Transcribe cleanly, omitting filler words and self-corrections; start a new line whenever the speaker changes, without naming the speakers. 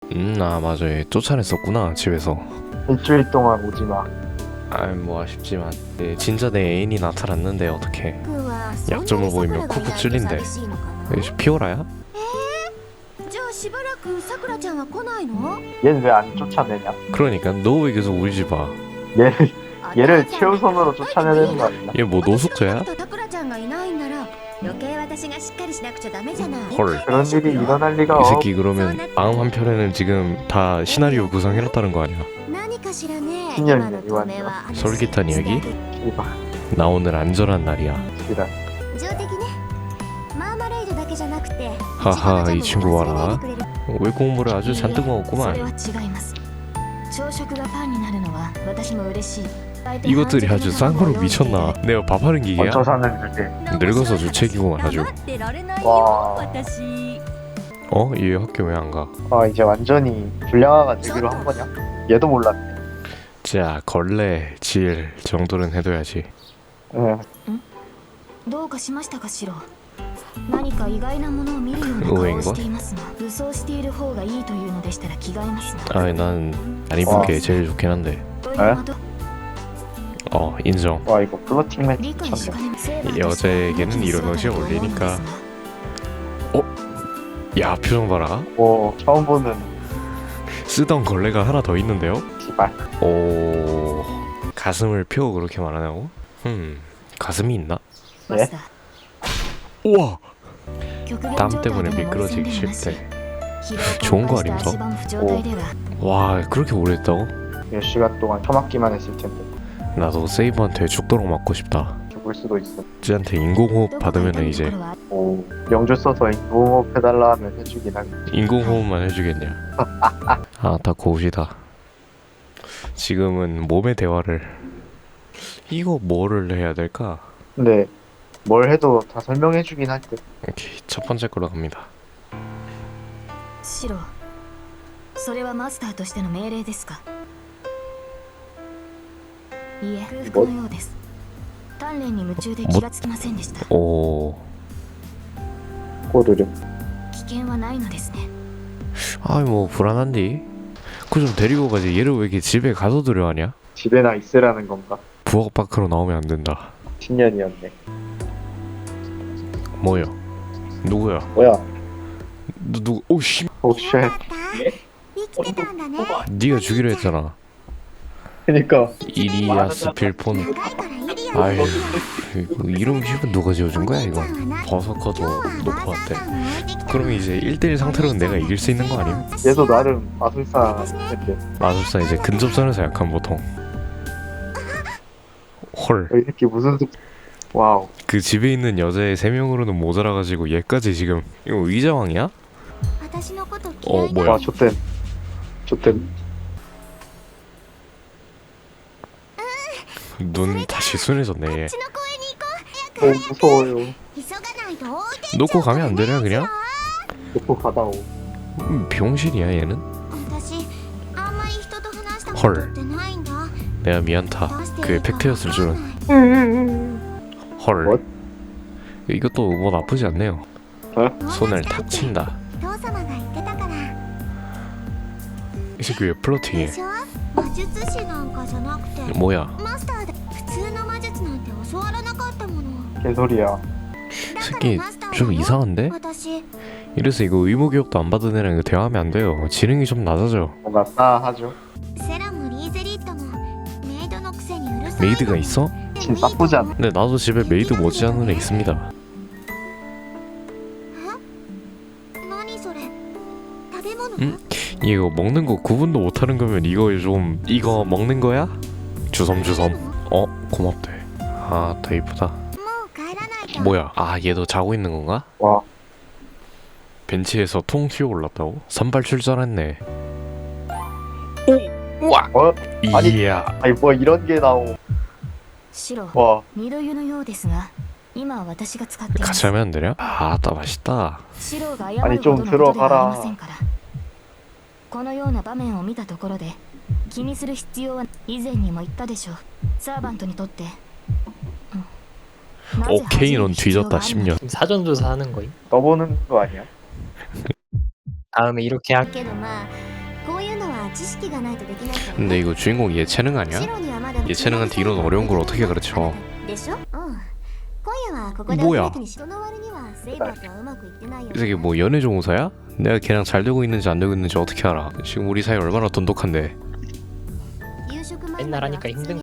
아 맞아. 얘 쫓아냈었구나 집에서.
일주일 동안 오지마.
아이 뭐 아쉽지만 진짜 내 애인이 나타났는데 어떡해. 약점을 보이면 쿡쿡 찔린대. 이게 피오라야?
얘는 왜 안 쫓아내냐?
그러니까 너 왜 계속 우리 집 와?
얘를 최우선으로 쫓아내야 되는 거 아니야?
얘 뭐 노숙자야? 헐.
그런 일이 일어날 리가
이
없.
새끼 그러면 다음 한 편에는 지금 다 시나리오 구성해놨다는 거 아니야?
신년이네 이완전.
솔깃한 이야기?
이봐.
나 오늘 안전한 날이야.
이다.
하하 이 친구 봐라. 왜 공부를 아주 잔뜩 먹었구만. 이것들이 아주 쌍으로 미쳤나. 내가 밥하는 기계야?
얹혀 사는 주제.
늙어서 주책이구만 아주.
와.
얘 학교 왜 안 가?
아 이제 완전히 불량화가 되기로 한 거냐? 얘도 몰랐네.
자 걸레 질 정도는 해둬야지.
응.
どうかしましたかシロ。何か意外なものを見るような顔をしていますが、武装している方がいいというのでしたら着替えますが。
아이 난 안 입은 게 제일 좋긴 한데. 인정.
와 이거 플로팅 매치
理解しか
미쳤네.
ねます。
여자에게는 이런 옷이 어울리니까. 야 표정 봐라.
오 처음 보는
쓰던 걸레가 하나 더 있는데요?
기발.
오 가슴을 펴고 그렇게 말하냐고? 가슴이 있나?
예?
우와 땀 때문에 미끄러지기 싫대. 좋은 거 아닌가? 와 그렇게 오래 했다고?
몇 시간 동안 처맞기만 했을 텐데
나도 세이브한테 죽도록 맞고 싶다.
죽을 수도 있어.
쟤한테 인공호흡 받으면 이제
오 명주 써서 인공호흡 해달라 하면 해주긴 하겠지.
인공호흡만 해주겠냐. 다 고우시다. 지금은 몸의 대화를. 이거 뭐를 해야 될까?
근데 뭘 해도 다 설명해주긴 할 듯.
오케이 첫 번째 걸로 갑니다.
シロ、それはマスターとしての命令ですか。いえ、空腹のようです。鍛錬に夢中で気がつきませんでした。
오
꼬르륵.
危険はないのですね。
아이 뭐 불안한디? 그 좀 데리고 가지. 얘를 왜 이렇게 집에 가둬두려 하냐?
집에나 있으라는 건가?
부엌 밖으로 나오면 안 된다.
신년이었네.
뭐야? 누구야?
뭐야?
누구? 오씨.
오쉣.
네가 주기로 했잖아.
그니까
이리아스 필폰. 아유 이름 기분 누가 지어준 거야 이거? 버서커도 놓고 왔대. 그러면 이제 1대1 상태로는 내가 이길 수 있는 거 아님?
얘도 나름 마술사인데
마술사 이제 근접선에서 약한 보통. 헐.
이 새끼 무슨 와우.
그 집에 있는 여자애 3명으로는 모자라가지고 얘까지 지금. 이거 의자왕이야? 뭐야?
와 좋댐.
눈 다시 순해졌네 얘.
오 무서워요.
놓고 가면 안 되냐 그냥?
놓고 가다오.
병신이야 얘는? 헐. 내가 미안타. 그게 팩트였을 줄은. 헐.
What?
이것도 뭐 나쁘지 않네요.
어?
손을 탁 친다. 이 새끼 왜 플러팅해? 뭐야?
개소리야.
새끼 좀 이상한데? 이래서 이거 의무교육도 안 받은 애랑 이거 대화하면 안 돼요. 지능이 좀 낮아져.
뭔가 싸하죠.
메이드가 있어?
진짜 나쁘지 않네.
근데 나도 집에 메이드 못지않은 애 있습니다. 이거 먹는 거 구분도 못하는 거면 이거 먹는 거야? 주섬주섬. 고맙대. 더 이쁘다. 뭐야? 얘도 자고 있는 건가?
와
벤치에서 통 튀어 올랐다고? 선발 출전했네.
어? 아니,
이야.
아니 뭐 이런 게 나오.
シロ、
와
二度湯のようですが、今は私が使っていま
같이
す。
하면 안 되냐? 딱 맛있다.
シロが謝
아니
る
좀
ほどのことでは
들어가라.
ありませんから。このような場面を見たところで、気にする必要は以前にも言ったでしょう。サーバントにとって。なぜ
오케이 넌
恥じる必要
뒤졌다
があるの
10년.
지금 사전조사 하는 거임?
떠보는 거 아니야?
다음에 이렇게 하
けどまあ
근데 이거 주인공 예체능 아니야? 예체능한테 이런 어려운 걸 어떻게 가르쳐? 뭐야? 이 새끼 뭐 연애 종사야? 내가 걔랑 잘 되고 있는지 안 되고 있는지 어떻게 알아? 지금 우리 사이 얼마나 돈독한데.
맨날 하니까 힘든